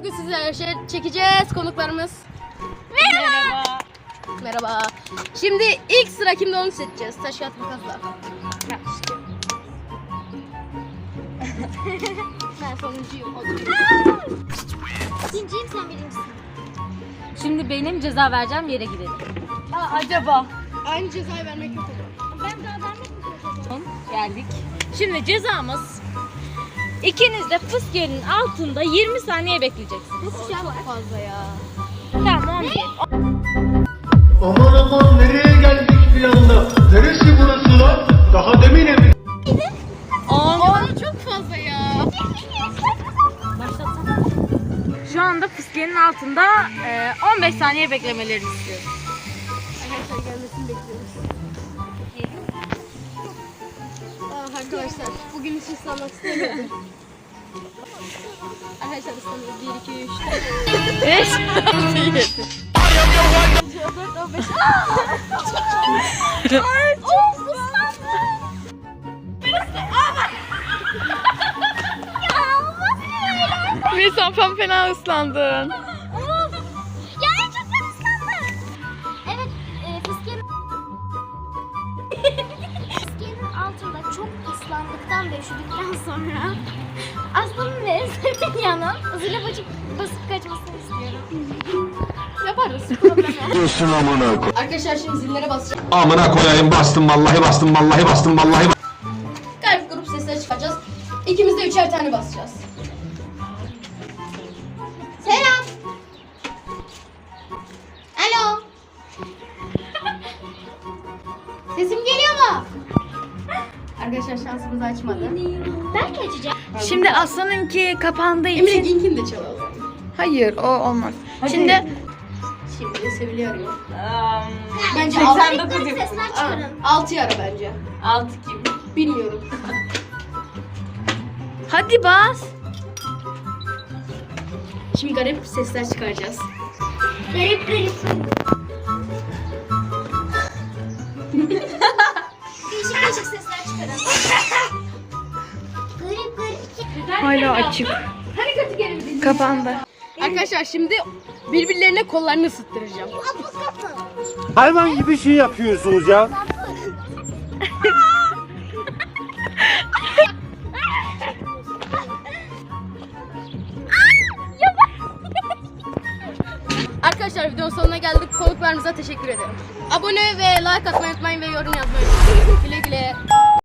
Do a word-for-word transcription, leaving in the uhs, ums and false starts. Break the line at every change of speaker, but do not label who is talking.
bugün sizlerle şey çekeceğiz konuklarımız.
Merhaba.
Merhaba. Şimdi ilk sıra kimde onu seçeceğiz. Taş kağıt makasla. Ben sonuncuyum.
İkinciyim, sen birincisin.
Şimdi benim ceza vereceğim yere gidelim. Aa, acaba?
Aynı cezayı vermek yok olur.
Ben daha vermek mi çalışacağım?
Geldik. Şimdi cezamız ikiniz de fıskiyenin altında yirmi saniye bekleyeceksiniz.
Çok fazla ya.
Tamam on bir.
Aman aman nereye geldik bir anda? Neresi burası lan? Daha demin evi.
on.
Aa, çok fazla ya.
Başlatsana. Şu anda fıskiyenin altında e, on beş saniye beklemelerini istiyorum.
Arkadaşlar gelmesini bekliyoruz. Aa, arkadaşlar bugün hiç ıslanmak istemiyorum. Arkadaşlar ıslanıyoruz. bir, iki, üç,
beş.
dört, on beş.
Ay çok ıslandım. Ya olmaz böyle.
Mesafen fena ıslandın.
Of. Ya en çok ben ıslandım. Evet, e, fıskiyenin... fıskiyenin altında çok ıslandıktan ve üşüdükten sonra Aslı'nın ve Esem'in yanı zile basıp, basıp kaçmasını istiyorum.
Yaparız. Problem yok.
Diyorsun amına koy.
Arkadaşlar şimdi zillere basacağız.
Amına koyayım bastım vallahi bastım vallahi bastım vallahi.
Garip grup sesleri çıkaracağız. İkimiz de üçer tane basacağız. Selam. Alo. Sesim geliyor mu? Arkadaşlar şansımız açmadı.
Belki açacağım.
Şimdi Aslan'ınki kapandığı
Emre
için...
Gink'in de çalalım.
Hayır, o olmaz. Şimdi...
Şimdi Sevili arıyor.
Um,
Bence
seksen
altı.
dokuz
Garip sesler çıkarın.
Altı ara bence.
altı kim?
Bilmiyorum.
Hadi bas.
Şimdi garip sesler çıkaracağız.
Garip garip. Değişik değişik sesler çıkarın. Garip garip.
Hala açık. Kapandı.
Arkadaşlar şimdi birbirlerine kollarını ısıttıracağım.
Kapı kapı.
Hayvan gibi şey yapıyorsunuz ya.
Arkadaşlar videonun sonuna geldik. Konuklarımıza teşekkür ederim. Abone ve like atmayı unutmayın ve yorum yazmayı unutmayın. Güle güle.